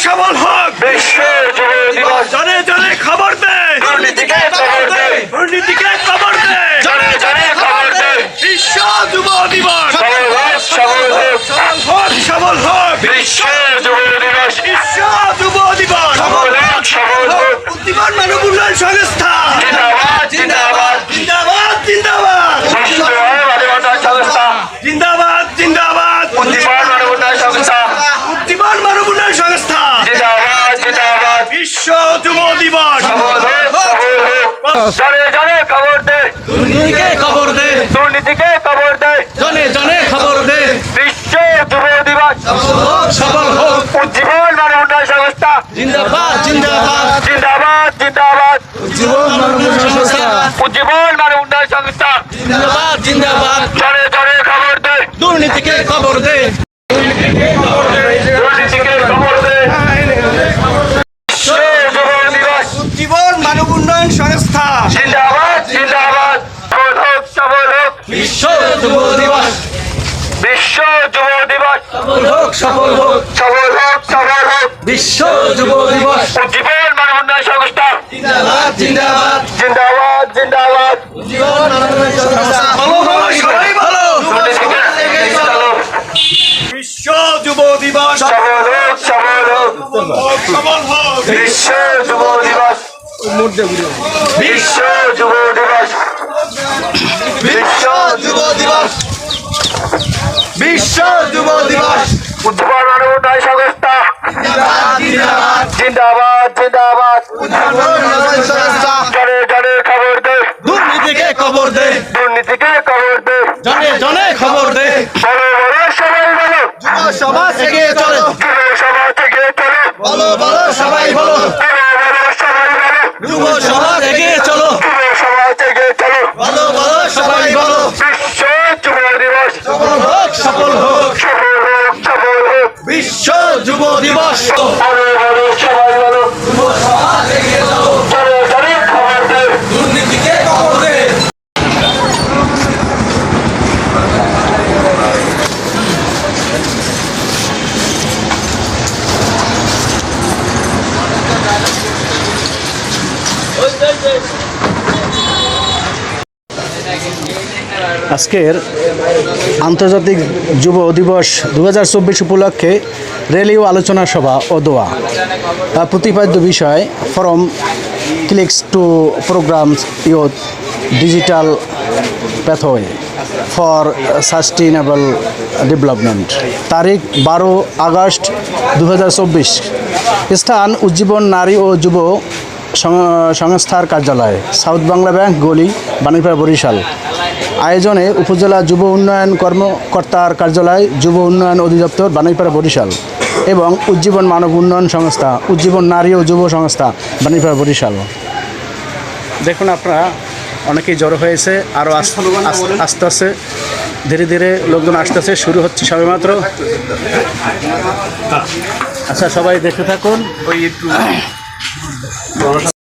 সবল হোক বিশ্ব যুব দিবস। জনে জনে খবর দে, দুর্নীতিকে খবর দে, দুর্নীতিকে খবর দে, জনে জনে খবর দে। বিশ্ব যুব দিবস সবল হোক, সবল হোক, সবল হোক, সবল হোক, বিশ্ব যুব দিবস। বিশ্ব যুব দিবস সবল হোক, সবল হোক। বুদ্ধিমান মানব উন্নয়ন সংস্থা জিন্দাবাদ, জিন্দাবাদ। জিন্দাবাদ জিন্দাবাদ বিশ্ব মানব উন্নয়ন সংস্থা, জিন্দাবাদ জিন্দাবাদ বুদ্ধিমান মানব উন্নয়ন সংস্থা, বুদ্ধিমান মানব উন্নয়ন সংস্থা জিন্দাবাদ, জিন্দাবাদ। বিশ্ব যুব দিবস সবল হোক, সবল হোক। জনে জনে খবর দে, দুর্নীতিকে খবর দে, দুর্নীতিকে খবর দে। জনে জনে খবর দে, বিশ্ব যুব দিবস। সফল হোক, উজ্জীবন মানব উন্নয়ন সংস্থা, জিন্দাবাদ জিন্দাবাদ জিন্দাবাদ, জিন্দাবাদ। জীবন মানব উন্নয়ন সংস্থা, উজ্জীবন মানব উন্নয়ন সংস্থা, জিন্দাবাদ জিন্দাবাদ জনে জনে খবর দে, দুর্নীতিকে খবর দে, দুর্নীতিকে খবর দে। বিশ্ব যুব দিবস। জীবন মানব উন্নয়ন সংস্থা, জিন্দাবাদ, জিন্দাবাদ। সবল হোক, সবল হোক। বিশ্ব যুব দিবস বিশ্ব যুব দিবস। সফল হোক, সফল হোক, সবল হোক, সবল হোক। বিশ্ব যুব দিবস উজ্জীবন মানব উন্নয়ন সংস্থা, জিন্দাবাদ জিন্দাবাদ জিন্দাবাদ, জিন্দাবাদ। জীবন মানব উন্নয়ন সংস্থা, ভালো ভালো সবাই ভালো, দুর্নীতিকে চলো। বিশ্ব যুব দিবস সবল হোক, সবল হোক। সফল হোক, বিশ্ব যুব দিবস। বিশ্ব যুব দিবস। বিশ্ব যুব দিবস বিশ্ব যুব দিবস উজ্জীবন মানব উন্নয়ন সংস্থা, জিন্দাবাদ জিন্দাবাদ, জিন্দাবাদ। সংস্থা, জনে জনে খবর দে, দুর্নীতিকে খবর দে, দুর্নীতিকে খবর দে। জনে জনে খবর দে, বলো বলো সবাই বলো, যুব সমাজ এগিয়ে চলো, যুব সমাজ থেকে চলো, বলো বলো সবাই বলো, বলো বলো সবাই বলো, যুব সমাজ এগিয়ে চলো, যুব সমাজ থেকে চলো। বলো বলো সবাই বলো, বিশ্ব যুব দিবস। সফল হোক, সফল হোক, সফল হোক, সফল হোক। বিশ্ব যুব দিবস বলো বলো সবাই বলো, যুব সমাজ এগিয়ে চলো, জনে জনে খবর দে। দুর্নীতিকে খবর দে। আজকের আন্তর্জাতিক যুব দিবস 2024 উপলক্ষে র্যালি ও আলোচনা সভা ও দোয়া প্রতিপাদ্য বিষয় from clicks to programs youth digital pathway for sustainable development, তারিখ 12 আগস্ট 2024, স্থান উজ্জীবন নারী ও যুব সংস্থার কার্যালয়, সাউথ বাংলা ব্যাংক, গলি, বাণীপাড়া, বরিশাল। আয়োজনে উপজেলা যুব উন্নয়ন কর্মকর্তার কার্যালয়, যুব উন্নয়ন অধিদপ্তর, বাণীপাড়া, বরিশাল এবং উজ্জীবন মানব উন্নয়ন সংস্থা, উজ্জীবন নারী ও যুব সংস্থা, বাণীপাড়া, বরিশাল। দেখুন আপনারা অনেকেই জড়ো হয়েছে, আরও আস্তে আস্তে ধীরে ধীরে লোকজন আসতেছে, শুরু হচ্ছে সবেমাত্র। আচ্ছা সবাই দেখতে থাকুন।